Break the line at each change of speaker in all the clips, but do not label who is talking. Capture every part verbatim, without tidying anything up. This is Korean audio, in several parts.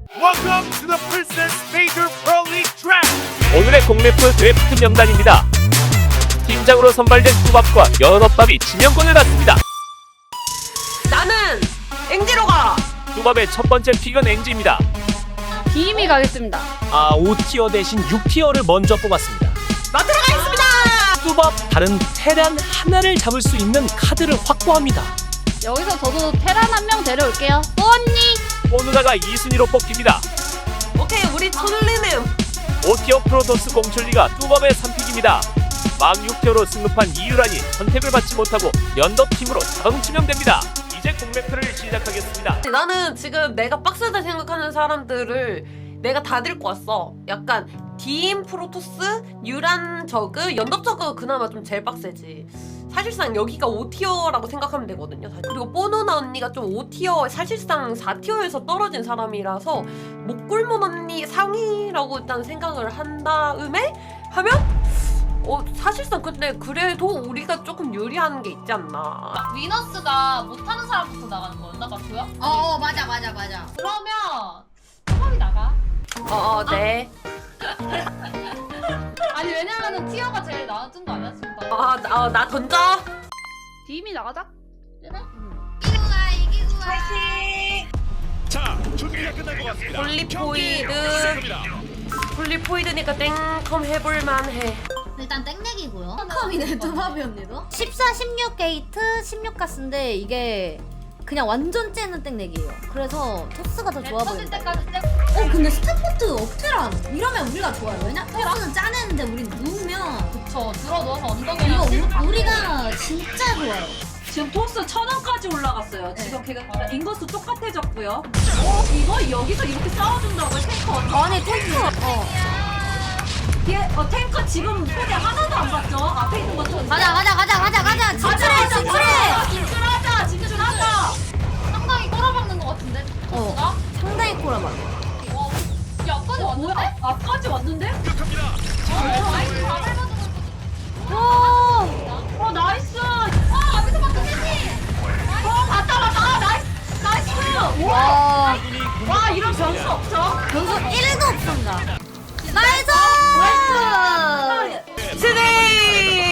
Welcome to the Princess Major Pro League Draft.
오늘의 공래프 드래프트 명단입니다. 팀장으로 선발된 뚜밥과 연어밥이 지명권을 받습니다.
나는 앵지로 가.
뚜밥의 첫 번째 픽은 앵지입니다.
비임이 가겠습니다.
아, 오 티어 대신 육 티어를 먼저 뽑았습니다.
나 들어가겠습니다.
뚜밥 다른 테란 하나를 잡을 수 있는 카드를 확보합니다.
여기서 저도 테란 한 명 데려올게요. 또 언니.
오누나가 이 순위로 뽑힙니다.
오케이, 우리 손울리는
오 티어 프로토스 공출리가 뚜밥의 삼 픽입니다. 막 육 티어로 승급한 이유란이 선택을 받지 못하고 연덕팀으로 자동 지명됩니다. 이제 공래프를 시작하겠습니다.
나는 지금 내가 빡세다 생각하는 사람들을 내가 다 데리고 왔어. 약간 디임 프로토스, 유란 저그, 연덕 저그 그나마 좀 제일 빡세지. 사실상 여기가 오 티어라고 생각하면 되거든요. 그리고 뽀누나 언니가 좀 오 티어, 사실상 사 티어에서 떨어진 사람이라서 목골몬 언니 상위라고 일단 생각을 한 다음에 하면 어 사실상 근데 그래도 우리가 조금 유리한 게 있지 않나.
위너스가 못하는 사람부터 나가는 거였나 맞고요?
어, 어 맞아 맞아 맞아.
그러면 초밥이 나가.
어, 어 네.
아니 왜냐면은 티어가 제일 나아진 거 아니야 지금?
아, 나, 어, 나 던져.
비임이 나가자.
그래?
이기고 가 이기고 가.
자, 준비가 끝난 것 같습니다.
폴리포이드.
경기 시작합니다.
폴리포이드니까 땡컴 해볼만해.
일단 땡렉이고요. 컴이네 두바비 언니도. 십사, 십육 게이트, 십육 가스인데 이게 그냥 완전 째는 땡렉이에요. 그래서 토스가 더 좋아
터질
보인다.
때까지 땡.
어 근데 스타포트 억테란 이러면 우리가 좋아요. 왜냐? 토스는 짜내는데 우린 누우면
그쵸. 들어 누워서
이거
엉덩이랑
우, 우리가 진짜 좋아요.
지금 토스 천 원까지 올라갔어요.
네.
지금 걔가 인거수 똑같아졌고요. 어, 이거 여기서 이렇게 싸워준다고 탱커.
아니 탱크. 어.
뒤에 어, 탱커 지금 소리 하나도 안 봤죠? 앞에 있는 것도.
가자 가자 가자 가자 가자. 진출해 진출해.
진출하자 진출하자.
상당히 꼬라박는 거 같은데.
어.
토스가?
상당히 꼬라봐.
와. 야 아까지
뭐야?
왔는데?
아, 앞까지 왔는데?
시작합니다.
어, 라이트 다 밟아주는
오.
어 나이스.
아 앞에서 막 끝내지.
어 봤다 봤다. 아, 나이스 나이스. 와.
와.
와 이런 변수 없죠?
변수 일도 없습니다. 나이스!
스네.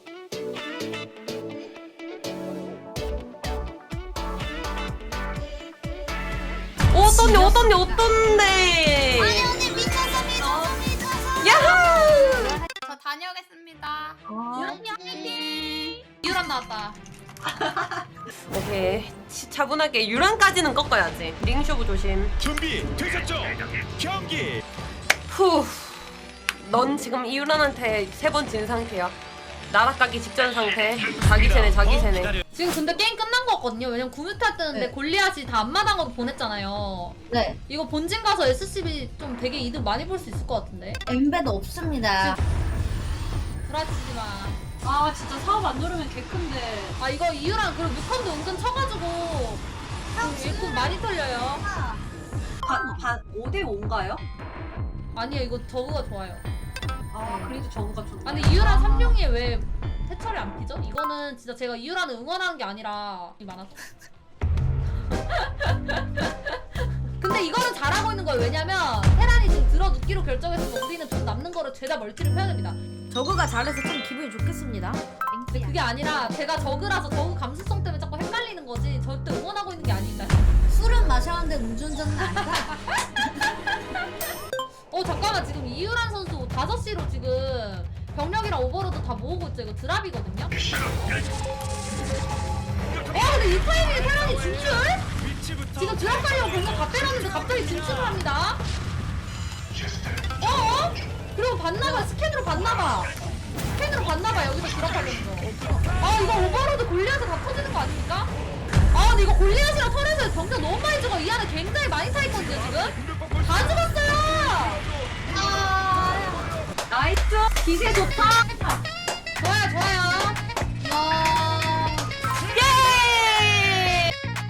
어떤데 어떤데 어떤데.
아니 언니 미쳤어 미쳤어 미쳤어.
야호.
저 다녀오겠습니다.
아.
유란이 화이팅. 유란 나왔다.
오케이. 치- 차분하게 유란까지는 꺾어야지. 링쇼브 조심.
준비 되셨죠? 경기.
후. 넌 지금 이유란한테 세 번 진 상태야. 나락가기 직전 상태. 자기 세네 자기 세네.
지금 근데 게임 끝난 거 같거든요. 왜냐면 구뮤타 뜨는데
네.
골리앗이 다 앞마당으로 보냈잖아요.
네.
이거 본진 가서 에스씨비 좀 되게 이득 많이 볼 수 있을 것 같은데.
엠베도 없습니다.
불아치지 마.
아 진짜 사업 안 누르면 개 큰데.
아 이거 이유랑 그리고 무컨도 은근 쳐가지고 좀 일꾼 많이 털려요.
반반 오 대 오인가요?
아니요 이거 저그가 좋아요.
아 그래도 저거가 좋네.
아니 이유랑 삼룡이에 왜 태철이 안 피죠? 이거는 진짜 제가 이유랑을 응원하는 게 아니라 이 많아서. 근데 이거는 잘하고 있는 거예요. 왜냐면 테란이 지금 들어 눕기로 결정했으면 우리는 돈 남는 거를 죄다 멀티를 펴야 됩니다.
저그가 잘해서 좀 기분이 좋겠습니다.
근데 그게 아니라 제가 저그라서 저그 감수성 때문에 자꾸 헷갈리는 거지 절대 응원하고 있는 게 아닙니다.
술은 마셨는데 음주운전은 아니다.
어 잠깐만 지금 이유란 선수 다섯 시로 지금 병력이랑 오버로드 다 모으고 있죠. 이거 드랍이거든요. 어 근데 이 타이밍에 테란이 진출?
위치부터
지금 드랍 가려고 병력 다 빼놨는데 갑자기 진출을 합니다. 어? 그리고 봤나봐. 스캔으로 봤나봐. 스캔으로 봤나봐. 여기서 드랍하면서. 아 이거 오버로드 골리앗에 다 터지는 거 아닙니까? 아 근데 이거 골리앗이랑 털에서 병력 너무 많이 죽어. 이 안에 굉장히 많이 타있거든요 지금. 다 죽었어요.
나이스. 기세 좋다.
좋아요 좋아요.
예.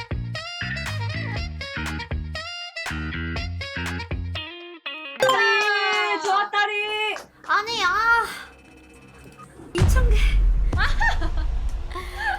네, 좋았다리.
아니 아 이천 개.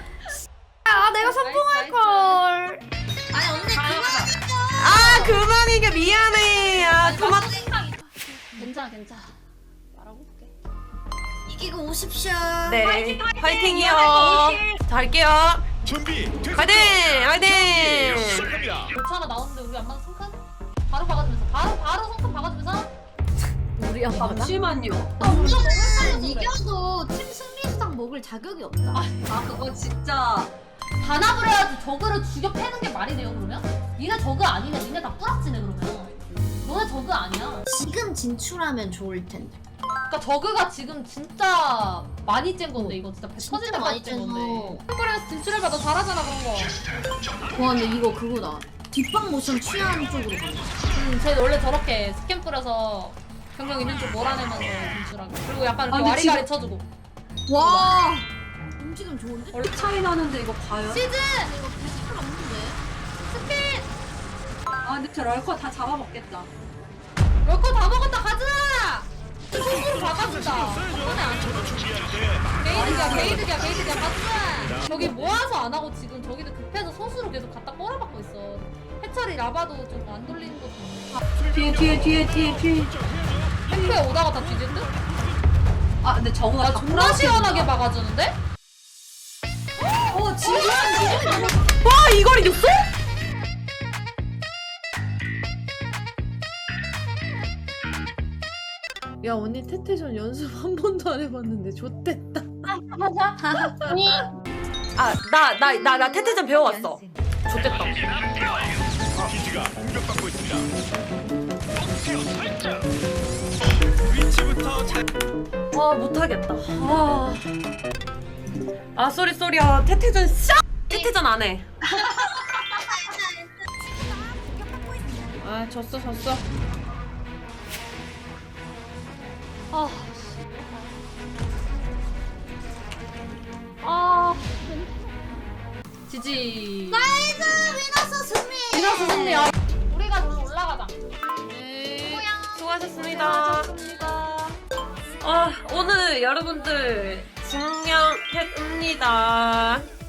아 내가
나이스,
성공할
나이스.
걸. 아니 언니 그만.
아 그만이 이겨 미안해. 아 그만.
괜찮아 괜찮아. 말하고 올게.
이기고 오십시오.
네 파이팅이요. 자 할게요.
준비.
화이팅 화이팅.
시작합니다.
골차가 나오는데 우리 안만 성큰? 바로 박아주면서 바로 바로 성큰 박아주면서.
우리 엄마가
잠시만요.
이겨도 팀 승리 수당 먹을 자격이 없다.
아 그거 진짜
단합을 해야지 저그를 죽여 패는 게 말이 돼요 그러면? 니네 저그 아니네. 니네 다 뿌락지네 그러면. 너네 저그 아니야.
지금 진출하면 좋을 텐데.
그러니까 저그가 지금 진짜 많이 짠 건데 이거 진짜 배 터질
진짜
때까지
많이
짠
째서.
건데. 템플에서 진출해봐. 너 잘하잖아 그런 거.
와 근데 이거 그거다. 뒷방 모션 취하는 쪽으로 가네.
음, 쟤 원래 저렇게 스캔 뿌려서 경력 있는 쪽 몰아내면서 진출하고. 그리고 약간 이렇게
아, 근데
와리가리 쳐주고.
와 움직임 좋은데?
원래 차이 나는데 이거 과연?
시즌!
이거 비스트 없는데?
스핀!
아 근데 저 럴커 다 잡아먹겠다.
럴커 다 먹었다 가자! 손으로 박아준다. 한번에 안 쳐. 게이득이야 게이득이야 게이득이야 가자! 저기 모아서 안 하고 지금 저기도 급해서 소수로 계속 갖다 꼬라박고 있어. 해철이 라바도 좀 안 돌리는 것도 있고.
뒤에 뒤에 뒤에 뒤에 뒤에.
템프에 오다가 다 뒤질 듯?
아 근데 저거가
나
다
존나
플라스틱이다.
시원하게 박아주는데?
어 지금
와 이걸 이겼어?
야 언니 태태전 연습 한 번도 안 해봤는데 좋댔다.
아 나 나 나 나 태태전 배워왔어. 좋겠다.
기지가 공격받고 있습니다. 목표 설정. 위치부터 잘.
아 못하겠다. 아, 아 쏘리 쏘리야. 태태전 샤. 태태전 안 해.
아 졌어 졌어.
아, 아, 지지.
나이스 위너스 승리.
이나스 승리야. 우리가 오늘 올라가자.
네. 수고하셨습니다.
좋습니다.
아 오늘 여러분들 증명했습니다.